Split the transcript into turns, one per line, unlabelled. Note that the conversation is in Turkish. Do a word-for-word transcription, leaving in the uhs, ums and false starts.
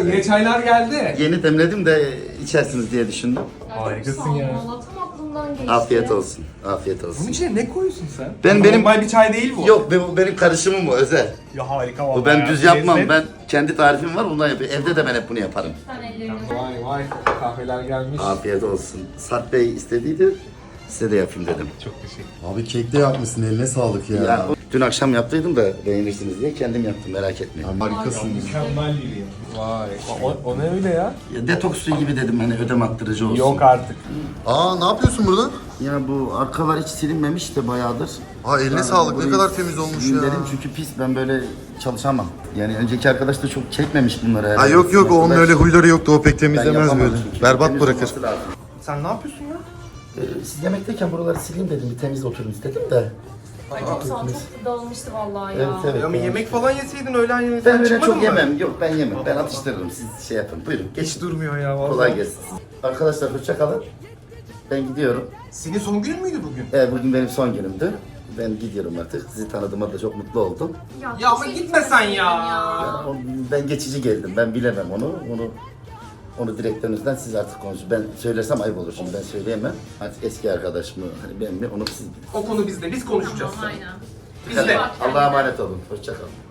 Yine çaylar geldi.
Yeni demledim de içersiniz diye düşündüm.
Harikasın ya.
Valla tam aklımdan geçti.
Afiyet olsun. Afiyet
Bunun
olsun.
içine ne koyuyorsun sen?
Ben benim
Normal bir çay değil bu.
Yok bu benim karışımım bu özel.
Ya harika vallahi.
Bu ben
ya.
düz yapmam.
Lezzet.
Ben kendi tarifim var ondan yapıyorum. Evde de ben hep bunu yaparım.
Sen ellerini.
Vay vay kahveler gelmiş.
Afiyet olsun. Sarp Bey istediydi. Size de yapayım dedim.
Çok teşekkür.
Abi kek de yapmışsın, eline sağlık ya.
Ya, dün akşam yaptıydım da beğenirsiniz diye kendim yaptım, merak etmeyin.
Abi harikasın.
Mükemmel biri ya. Vay. O, o ne öyle ya?
Ya, detoks suyu gibi dedim hani ödem attırıcı olsun.
Yok artık.
Aa ne yapıyorsun burada?
Ya bu arkalar hiç silinmemiş de bayağıdır.
Aa eline
Ben
sağlık, ne
burayı
kadar temiz olmuş
sileyim
ya.
Dedim çünkü pis, ben böyle çalışamam. Yani önceki arkadaş da çok çekmemiş bunları.
Ha
herhalde.
yok yok, onun
Ben-
öyle huyları yoktu, o pek
ben
temizlemez
yapamam
böyle.
çünkü.
Berbat
Temiz
bırakır.
olması lazım.
Sen ne yapıyorsun ya?
Ee, siz yemekteyken buraları sileyim dedim, bir temiz oturun istedim de.
Ay çok sağ ol. Çok dağılmıştı vallahi ya.
Evet evet.
Ya ama
ben-
yemek falan yeseydin öğlen yemeğinden
Ben öyle
çıkmadın
çok
mı?
yemem. Yok ben yemem. Ben atıştırırım. Siz şey yapın. Buyurun. Geç.
Hiç durmuyor ya vallahi.
Kolay gelsin. Arkadaşlar hoşça kalın. Ben gidiyorum.
Senin son günün müydü bugün?
Evet, bugün benim son günümdü. Ben gidiyorum artık. Sizi tanıdığıma da çok mutlu oldum.
Ya ama
teşekkür
gitme sen
ederim
ya.
O- Ben geçici geldim. Ben bilemem onu. Onu onu direktörünüzden siz artık konuşun. Ben söylersem ayıp olur şimdi. Ben söyleyemem. Artık eski arkadaş mı, hani ben mi, onu siz bilin.
O konu bizde. Biz konuşacağız.
Tamam aynen.
Bizde.
Allah'a emanet olun. Hoşça kalın.